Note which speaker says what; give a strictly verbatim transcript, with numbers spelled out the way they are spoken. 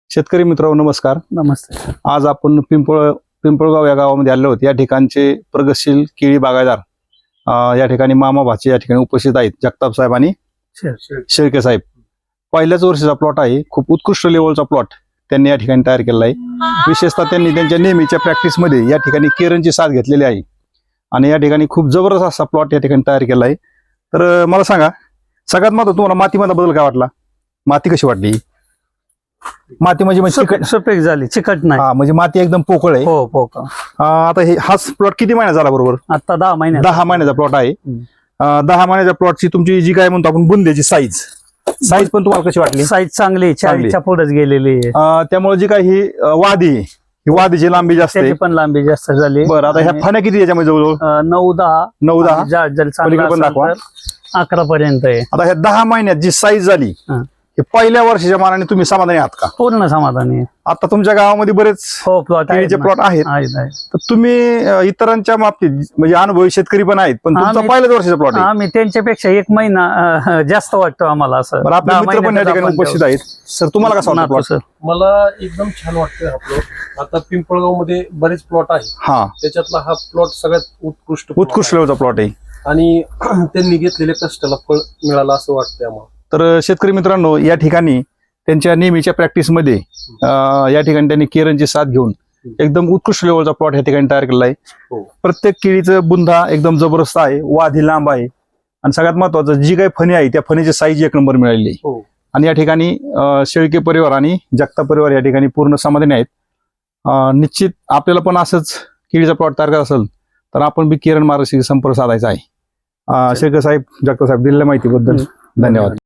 Speaker 1: शेतकरी मित्रांनो नमस्कार.
Speaker 2: नमस्ते.
Speaker 1: आज आपण पिंपळ पिंपळगाव या गावामध्ये आलो आहोत. या ठिकाणचे प्रगतशील केळी बागायतदार अं, या ठिकाणी मामा भाचे या ठिकाणी उपस्थित आहेत. जगताप साहेब आणि शेळके साहेब. पहिल्याच वर्षीचा प्लॉट आहे. खूप उत्कृष्ट लेवलचा प्लॉट त्यांनी या ठिकाणी तयार केला आहे. विशेषतः त्यांनी त्यांच्या नेहमीच्या प्रॅक्टिसमध्ये या ठिकाणी केरनची साथ घेतलेली आहे आणि या ठिकाणी खूप जबरदस्त असा प्लॉट या ठिकाणी तयार केला आहे. तर अं, मला सांगा, सगळ्यात महत्त्वाचं तुम्हाला मातीमध्ये बदल काय वाटला? माती कशी वाटली? माती म्हणजे म्हणजे चिकट
Speaker 2: सफेद झाली, चिकट नाही.
Speaker 1: हा, म्हणजे माती एकदम पोकळ आहे.
Speaker 2: हो पोकळ.
Speaker 1: अं, आता हे हाच प्लॉट किती महिना झाला बरोबर?
Speaker 2: आता दहा महिने
Speaker 1: दहा महिन्याचा प्लॉट आहे. अं, दहा महिन्याच्या प्लॉटची तुमची जी काय म्हणतो आपण बुंद्याची साईज साईज पण तुम्हाला कशी वाटली?
Speaker 2: साईज चांगली, चाळीसच्या पुढेच गेलेली आहे.
Speaker 1: अं, त्यामुळे जी काय ही अं, वादी आहे, ही वादीची लांबी जास्त आहे.
Speaker 2: त्याची पण लांबी जास्त झाली.
Speaker 1: बरं, आता ह्या फण्या किती याच्यामध्ये जवळजवळ?
Speaker 2: अं, नऊ दहा
Speaker 1: नऊ दहा
Speaker 2: जर जर
Speaker 1: पलीकडे पण दाखवा.
Speaker 2: अकरा पर्यंत आहे.
Speaker 1: आता ह्या दहा महिन्यात जी साईज झाली,
Speaker 2: हं.
Speaker 1: हे पहिल्या वर्षाच्या मानाने तुम्ही समाधानी आहात का?
Speaker 2: पूर्ण समाधानी आहे.
Speaker 1: आता तुमच्या गावामध्ये बरेच
Speaker 2: हो प्लॉट
Speaker 1: केळीचे प्लॉट आहेत. तर तुम्ही अं, इतरांच्या बाबतीत म्हणजे अनुभवी शेतकरी पण आहेत, पण तुमचा
Speaker 2: आम्ही-
Speaker 1: पहिल्याच वर्षाचा प्लॉट आहे.
Speaker 2: आम्ही त्यांच्यापेक्षा एक महिना अं, जास्त वाटतो आम्हाला असं.
Speaker 1: बरं, आपले
Speaker 2: दहा
Speaker 1: मित्र पण या
Speaker 2: महिन्यातच
Speaker 1: ठिकाणी
Speaker 2: आपण
Speaker 1: उपस्थित आहेत. सर, तुम्हाला कसा वाटतो
Speaker 2: नातो
Speaker 1: प्लॉट?
Speaker 2: सर.
Speaker 3: मला एकदम छान वाटतोय हा प्लॉट. आता पिंपळगाव मध्ये बरेच प्लॉट आहेत,
Speaker 1: हा,
Speaker 3: त्याच्यातला हा प्लॉट सगळ्यात उत्कृष्ट plot
Speaker 1: उत्कृष्ट
Speaker 3: आहे.
Speaker 1: लेवलचा प्लॉट आहे.
Speaker 3: आणि त्यांनी घेतलेल्या कष्टाला फळ मिळालं असं वाटतंय आम्हाला.
Speaker 1: तर शेतकरी मित्रांनो, या ठिकाणी त्यांच्या नेहमीच्या प्रॅक्टिसमध्ये अं, या ठिकाणी त्यांनी केरनची साथ घेऊन एकदम उत्कृष्ट लेवलचा प्लॉट या ठिकाणी तयार केला आहे.
Speaker 3: हो.
Speaker 1: प्रत्येक केळीचं बुंधा एकदम जबरदस्त आहे, वादी लांब आहे आणि सगळ्यात महत्वाचं जी काही फणी आहे त्या फणीची साईज एक नंबर मिळालेली आहे.
Speaker 3: हो.
Speaker 1: आणि या ठिकाणी अं, शेळके परिवार आणि जगताप परिवार या ठिकाणी पूर्ण समाधानी आहेत. अं, निश्चित आपल्याला पण असंच केळीचा प्लॉट तयार करायचा असेल तर आपण बी केरन मार्गदर्शक संपर्क साधायचा आहे. अं, शेळके साहेब, जगताप साहेब, दिलेल्या माहितीबद्दल धन्यवाद.